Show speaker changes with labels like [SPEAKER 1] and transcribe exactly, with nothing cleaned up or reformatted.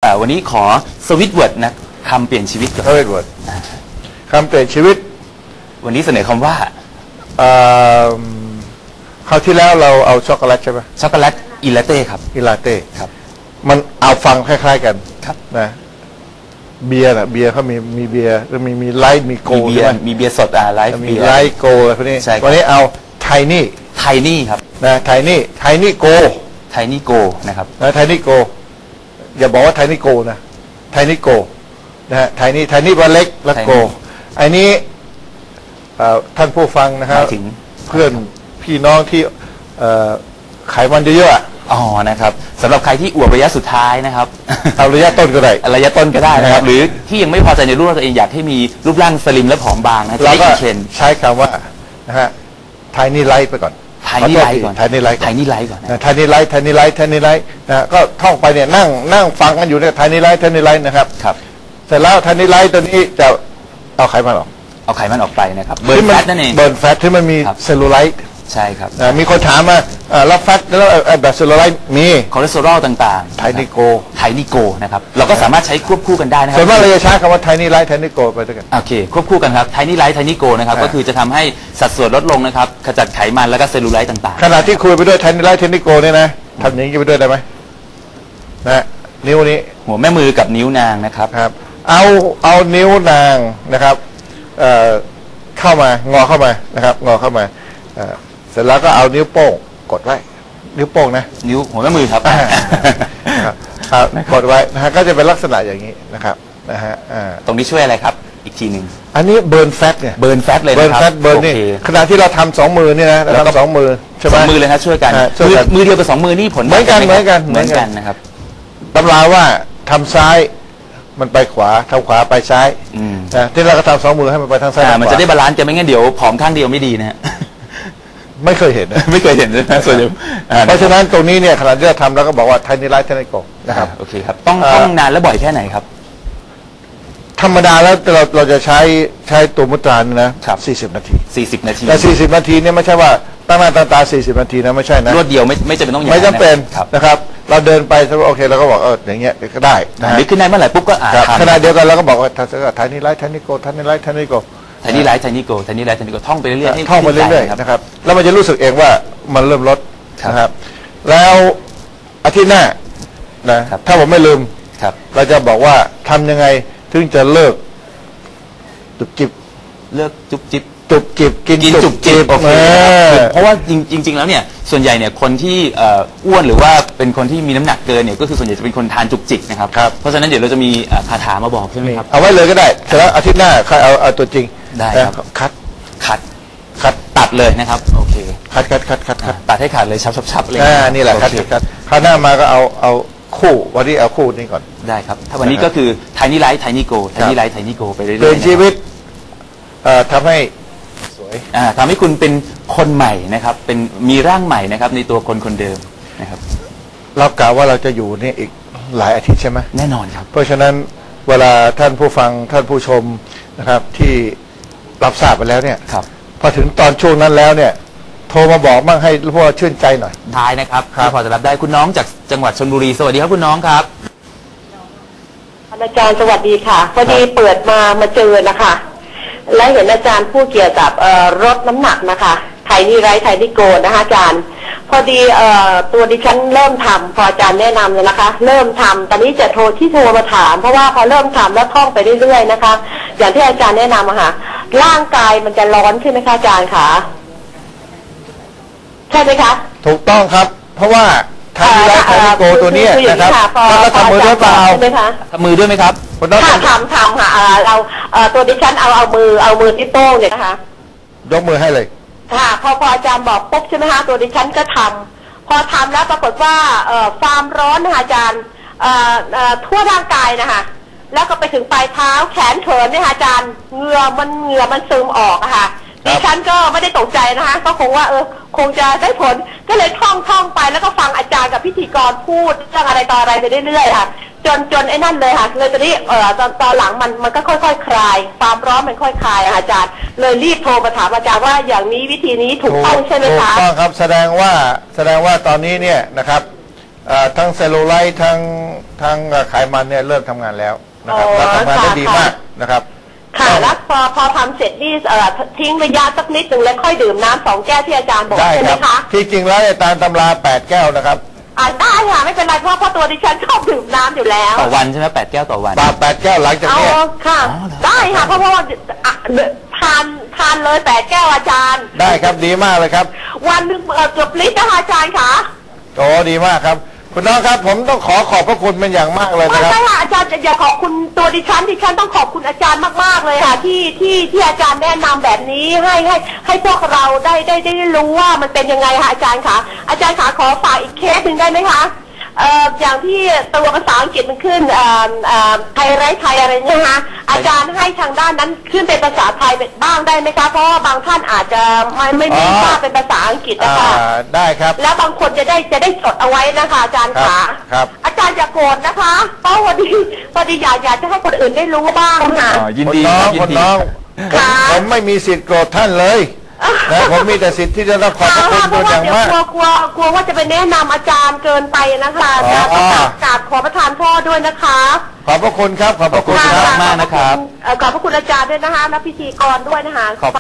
[SPEAKER 1] วันนี้ขอสวิตช์เวิร์ดนะคำเปลี่ยนชีวิตกับ
[SPEAKER 2] สวิตช์เวิร์ดคำเปลี่ยนชีวิต
[SPEAKER 1] วันนี้เสนอคำว่า
[SPEAKER 2] คราวที่แล้วเราเอาช็อกโกแลตใช่ไหม
[SPEAKER 1] ช็อกโกแลตอิลาเต้ครับ
[SPEAKER 2] อิลาเต้
[SPEAKER 1] ครับ
[SPEAKER 2] มันเอาฟังคล้ายๆกัน
[SPEAKER 1] ครับ
[SPEAKER 2] นะเบียร์นะเบียร์เขามีมีเบียร์แล้วมีมีไลท์มีโก
[SPEAKER 1] มีเบียร์มีเบียร์สดอ่าไลท์
[SPEAKER 2] มีไลท์โกอะไรพวกนี้วันนี้เอาไทนี่
[SPEAKER 1] ไทนี่ครับ
[SPEAKER 2] นะไทนี่ไทนี่โก
[SPEAKER 1] ไทนี่โกนะครับ
[SPEAKER 2] นะไทนี่โกอย่าบอกว่าไทนี่โกนะไทนี่โกนะฮะไทนี่ไทนี่ว่าเล็กและโกอันนี้ท่านผู้ฟังนะครับเพื่อนพี่น้องที่ไขมันเยอะ
[SPEAKER 1] ๆอ๋อนะครับสำหรับใครที่อวบระยะสุดท้ายนะครับ
[SPEAKER 2] เอาระยะต้นก็ได้
[SPEAKER 1] ระยะต้นก็ได้นะครับหรือที่ยังไม่พอใจในรูปร่างตัวเองอยากให้มีรูปร่างสลิมและผอมบางนะ
[SPEAKER 2] เราก็ใช้คำว่านะฮะไทนี่ไลท์ไปก่อน
[SPEAKER 1] ไทนี่ไลท์ก่อน
[SPEAKER 2] ไทนี่ไลท์
[SPEAKER 1] ไทนี่ไลท์ก่อน
[SPEAKER 2] ไทนี่ไลท์ไทนี่ไลท์ไทนี่ไลท์นะก็ท่องไปเนี่ยนั่งนั่งฟังกันอยู่เนี่ยไทนี่ไลท์ไทนี่ไลท์นะครับ
[SPEAKER 1] ครับ
[SPEAKER 2] เสร็จแล้วไทนี่ไลท์ตัวนี้จะเอาไขมันออก
[SPEAKER 1] เอาไขมันออกไปนะครับเบิร์นแฟตนั่นเอง
[SPEAKER 2] เบิร์นแฟตที่มันมีเซลลูไลท์
[SPEAKER 1] ใช่ครับ
[SPEAKER 2] มีคนถามมาแล้วแฟตแล้วแบบเซลลูไลท์มี
[SPEAKER 1] คอเลสเตอรอลต่างๆ
[SPEAKER 2] ไทนิโก
[SPEAKER 1] ไทนิโกนะครับเราก็สามารถใช้ควบคู่กันได้นะครับ
[SPEAKER 2] ส่วนมากเราจะใช้คำว่าไทนิไลท์ไทนิโกไปด้วยกัน
[SPEAKER 1] โอเคควบคู่กันครับไทนิไลท์ไทนิโกนะครับก็คือจะทำให้สัดส่วนลดลงนะครับขจัดไขมันแล้วก็เซลลูไลท์ต่างๆ
[SPEAKER 2] ขณะที่คุยไปด้วยไทนิไลท์ไทนิโกเนี่ยนะทำอย่างนี้ไปด้วยได้ไหมนะนิ้วนี้
[SPEAKER 1] หัวแม่มือกับนิ้วนางนะครับ
[SPEAKER 2] ครับเอาเอานิ้วนางนะครับเข้ามางอเข้ามานะครับงอเข้ามาเสร็จแล้วก็เอานิ้วโป้งกดไว้นิ้วโป้งนะ
[SPEAKER 1] นิ้วหัวแม่มือครับ
[SPEAKER 2] กดไว้นะฮะก็จะเป็นลักษณะอย่างนี้นะครับนะฮะ
[SPEAKER 1] ตรงนี้ช่วยอะไรครับอีกทีหนึ่ง
[SPEAKER 2] อันนี้เบิร์นแฟตเนี่ย
[SPEAKER 1] เบิร์นแฟตเลย
[SPEAKER 2] เบิร์นแฟตเบิร์นนี่ขณะที่เราทำสองมือนี่นะเราทำสองมือใช่ไหม
[SPEAKER 1] สองมือเลยครับช่วยกันมือเดียวกับสองมือนี่ผล
[SPEAKER 2] เหมือนกันเหมือนกัน
[SPEAKER 1] เหมือนกันนะครับ
[SPEAKER 2] ตำราว่าทำซ้ายมันไปขวาทำขวาไปซ้ายนะที่เราก็ทำสองมือให้มันไปทางซ้าย
[SPEAKER 1] มันจะได้บาลานซ์จะไม่งั้นเดี๋ยวผอมข้างเดียวไม่ดีนะฮะ
[SPEAKER 2] ไม่เคยเห็น
[SPEAKER 1] ไม่เคยเห็นเลยนะส่วนใหญ่
[SPEAKER 2] เพราะฉะนั้นตรงนี้เนี่ยขณะที่เราทำเราก็บอกว่าไทนี่ไลท์ไทนี่โกนะครับ
[SPEAKER 1] โอเคครับต้องต้องนานและบ่อยแค่ไหนครับ
[SPEAKER 2] ธรรมดาแล้วเราเราจะใช้ใช้ตัวมุตรานะสี่สิบนาที
[SPEAKER 1] สี่สิบนาที
[SPEAKER 2] แต่สี่สิบนาทีเนี่ยไม่ใช่ว่าตั้งหน้าตั้งตาสี่สิบนาทีนะไม่ใช่นะ
[SPEAKER 1] รวดเดียวไม่ไม่จำเป็นต้องอย่าง
[SPEAKER 2] ไม่จำเป็นนะครับเราเดินไปโอเคเราก็บอกเอออย่างเงี้ยก็ได้
[SPEAKER 1] นึกขึ้นได้เมื่อไหร่ปุ๊บก็อ่าน
[SPEAKER 2] ขณะเดียวกันเราก็บอกว่าไทนี่ไลท์ไทนี่โกไทนี่ไลท์ไทนี่โก
[SPEAKER 1] ไทนี่ไลท์ไทนี่โกไทนี่ไลท์ไทนี่โกท่องไปเรื่อยๆ
[SPEAKER 2] ท่องไปเรื่อยๆนะครับแล้วมันจะรู้สึกเองว่ามันเริ่มลดนะครับแล้วอาทิตย์หน้านะถ้าผมไม่ลืมเราจะบอกว่าทำยังไงถึงจะเลิกจุบจิบ
[SPEAKER 1] เลิกจุบจิบ
[SPEAKER 2] จุบจิบกินจุบจิบ
[SPEAKER 1] เพราะว่าจริงๆแล้วเนี่ยส่วนใหญ่เนี่ยคนที่อ้วนหรือว่าเป็นคนที่มีน้ำหนักเกินเนี่ยก็คือส่วนใหญ่จะเป็นคนทานจุบจิบนะครับเพราะฉะนั้นเดี๋ยวเราจะมีคาถามาบอกใช่ไหมครับ
[SPEAKER 2] เอาไว้เลยก็ได้แต่แล้วอาทิตย์หน้าใครเอาเอาตัวจริง
[SPEAKER 1] ได้ครับ
[SPEAKER 2] คัด
[SPEAKER 1] คัดคัดตัดเลยนะครับโอเค
[SPEAKER 2] คัดคัดคัดคัดคัด
[SPEAKER 1] ตัดให้ขาดเลยชับชับเลย
[SPEAKER 2] นี่แหละคัดคัดคราวหน้ามาก็เอาเอาคู่วันนี้เอาคู่นี้ก่อน
[SPEAKER 1] ได้ครับถ้าวันนี้ก็คือไทนี่ไลท์ไทนี่โกไทนี่ไลท์ไทนี่โกไปเรื่อยๆ
[SPEAKER 2] เดินชีวิตทำให้สวย
[SPEAKER 1] ทำให้คุณเป็นคนใหม่นะครับเป็นมีร่างใหม่นะครับในตัวคนคนเดิมนะครับ
[SPEAKER 2] เรากล่าวว่าเราจะอยู่นี่อีกหลายอาทิตย์ใช่ไหม
[SPEAKER 1] แน่นอนครับ
[SPEAKER 2] เพราะฉะนั้นเวลาท่านผู้ฟังท่านผู้ชมนะครับที่รับทราบไปแล้วเนี่ยพอถึงตอนช่วงนั้นแล้วเนี่ยโทรมาบอกมั่งให้พวกเราชื่นใจหน่อย
[SPEAKER 1] ได้นะครับที่พอจะรับได้คุณน้องจากจังหวัดชลบุรีสวัสดีครับคุณน้องครับ
[SPEAKER 3] อาจารย์สวัสดีค่ะพอดีเปิดมามาเจอนะคะและเห็นอาจารย์พูดเกี่ยวกับลดน้ำหนักนะคะไทนี่ไลท์ไทนี่โกนะคะอาจารย์พอดีตัวดิฉันเริ่มทำพออาจารย์แนะนำเลยนะคะเริ่มทำตอนนี้จะโทรที่โทรมาถามเพราะว่าพอเริ่มทำแล้วท่องไปเรื่อยๆนะคะอย่างที่อาจารย์แนะนำอะค่ะร่างกายมันจะร้อนใช่ไหมคะอาจารย์คะใช่ไหมคะ
[SPEAKER 2] ถูกต้องครับเพราะว่าไทนี่ไลท์ไทนี่โกตัวนี้นะครับแล้วทำมือด้วยเปล่า
[SPEAKER 3] ใช่ไหมคะ
[SPEAKER 1] ทำมือด้วยไหมครับ
[SPEAKER 3] ค่ะทำทำค่ะเราตัวดิฉันเอาเอามือเอามือที่โป้งเนี่ยนะคะ
[SPEAKER 2] ยกมือให้เลย
[SPEAKER 3] ค่ะพอพออาจารย์บอกปุ๊บใช่ไหมคะตัวดิฉันก็ทำพอทำแล้วปรากฏว่าความร้อนนะคะอาจารย์ทั่วร่างกายนะคะแล้วก็ไปถึงปลายเท้าแขนเขินเนี่ยค่ะอาจารย์เหงื่อมันเหงื่อมันซึมออกอะค่ะดิฉันก็ไม่ได้ตกใจนะคะก็คงว่าเออคงจะได้ผลก็เลยท่องท่องไปแล้วก็ฟังอาจารย์กับพิธีกรพูดเรื่องอะไรต่ออะไรไปเรื่อยๆค่ะจนจนไอ้นั่นเลยค่ะเลยตอนนี้เอ่อตอนตอนหลังมันมันก็ค่อยๆคลายความร้อนมันค่อยคลายอาจารย์เลยรีบโทรมาถามอาจารย์ว่าอย่างนี้วิธีนี้ถูกต้องใช่ไหมคะ
[SPEAKER 2] ถูกต้องครับแสดงว่าแสดงว่าตอนนี้เนี่ยนะครับเอ่อทั้งเซลลูไลท์ทั้งทั้งไขมันเนี่ยเริ่มทำงานแล้วนะครับ
[SPEAKER 3] อ๋อ
[SPEAKER 2] แล้วทำงานได้
[SPEAKER 3] ค่ะ
[SPEAKER 2] ดีมากนะครับ
[SPEAKER 3] ค่ะแล้วพอพอทำเสร็จนี่เอ่อทิ้งระยะสักนิดหนึ่งแล้วค่อยดื่มน้ำสองแก้วที่อาจารย์บอก
[SPEAKER 2] ได้
[SPEAKER 3] ใช่
[SPEAKER 2] ค
[SPEAKER 3] ไหม
[SPEAKER 2] รับ
[SPEAKER 3] คะ
[SPEAKER 2] ที่จริงแล้วเนี่ยตามตำราแปดแก้วนะครับ
[SPEAKER 3] อ่าได้ค่ะไม่เป็นไรเพราะเพราะตัวดิฉันชอบดื่มน้ำอยู่แล้ว
[SPEAKER 1] ต่อวันใช่ไหมแปดแก้วต่อวัน
[SPEAKER 2] ปาแปดแก้วหลังจาก
[SPEAKER 3] เอา
[SPEAKER 2] เนี้ย
[SPEAKER 3] ค่ะ
[SPEAKER 1] อ๋อเหรอ
[SPEAKER 3] ได้ค่ะเพราะว่าอ่ะทานทานเลยแปดแก้วอาจารย์
[SPEAKER 2] ได้ครับดีมากเลยครับ
[SPEAKER 3] วันหนึ่งเอ่อเกือบลิตรนะคะอาจารย์ค่ะ
[SPEAKER 2] โอ้ดีมากครับคุณน้องครับผมต้องขอขอบพระคุณเป็นอย่างมากเลย
[SPEAKER 3] ไม่
[SPEAKER 2] นะครับ
[SPEAKER 3] ใช่ค่ะอาจารย์อย่าขอบคุณตัวดิฉันดิฉันต้องขอบคุณอาจารย์มากๆเลยค่ะ ที่ที่ที่อาจารย์แนะนำแบบนี้ให้ให้ให้พวกเราได้ได้ได้รู้ว่ามันเป็นยังไงค่ะอาจารย์ค่ะอาจารย์ขาขอฝากอีกเคสหนึ่งได้ไหมคะเอ่ออย่างที่ตัวภาษาอังกฤษมันขึ้นเอ่อเอ่อไทยไร้ไทยอะไรเนี่ยนะคะอาจารย์ให้ทางด้านนั้นขึ้นเป็นภาษาไทยบ้างได้ไหมคะเพราะว่าบางท่านอาจจะไม่ไม่ไม่ทราบเป็นภาษาอังกฤษนะคะ
[SPEAKER 2] อ่าได้ครับ
[SPEAKER 3] แล้วบางคนจะได้จะได้จดเอาไว้นะคะอาจารย์
[SPEAKER 2] ครับ
[SPEAKER 3] ขา
[SPEAKER 2] ครับ
[SPEAKER 3] อาจารย์อย่าโกรธนะคะเพราะพอดีพอดีอยากอยากจะให้คนอื่นได้รู้บ้างค่ะ
[SPEAKER 1] อ๋อยิน
[SPEAKER 2] คุณ
[SPEAKER 1] ดี
[SPEAKER 2] น้
[SPEAKER 1] ค
[SPEAKER 2] อ
[SPEAKER 1] รั
[SPEAKER 2] ง
[SPEAKER 1] บยิ
[SPEAKER 2] คุ
[SPEAKER 1] น
[SPEAKER 2] ณ
[SPEAKER 1] ดี
[SPEAKER 2] น้องผม
[SPEAKER 3] ค่ะ
[SPEAKER 2] ผมไม่มีสิทธิ์โกรธท่านเลยนะผมมีแต่สิทธิ์ที่จะต้องขอบพระคุณ
[SPEAKER 3] เพ
[SPEAKER 2] เป็น
[SPEAKER 3] ราะว่า
[SPEAKER 2] อย่าง
[SPEAKER 3] เดี๋ยว
[SPEAKER 2] มาก
[SPEAKER 3] กลัวกลัวกลัวว่าจะไปแนะนำอาจารย์เกินไปนะคะอาจารย์
[SPEAKER 2] อ๋
[SPEAKER 3] ต้อ
[SPEAKER 2] อ
[SPEAKER 3] งกราบกราบขอประทานโทษด้วยนะคะ
[SPEAKER 2] ขอบพระคุณครับขอบพระคุณ
[SPEAKER 1] ขอบ
[SPEAKER 2] ค
[SPEAKER 1] ณ
[SPEAKER 2] รับ
[SPEAKER 1] มากนะครับ
[SPEAKER 3] เอ่อขอบพระคุณอาจารย์ด้วยนะคะและพิธีกรด้วยนะคะ
[SPEAKER 1] ขอบ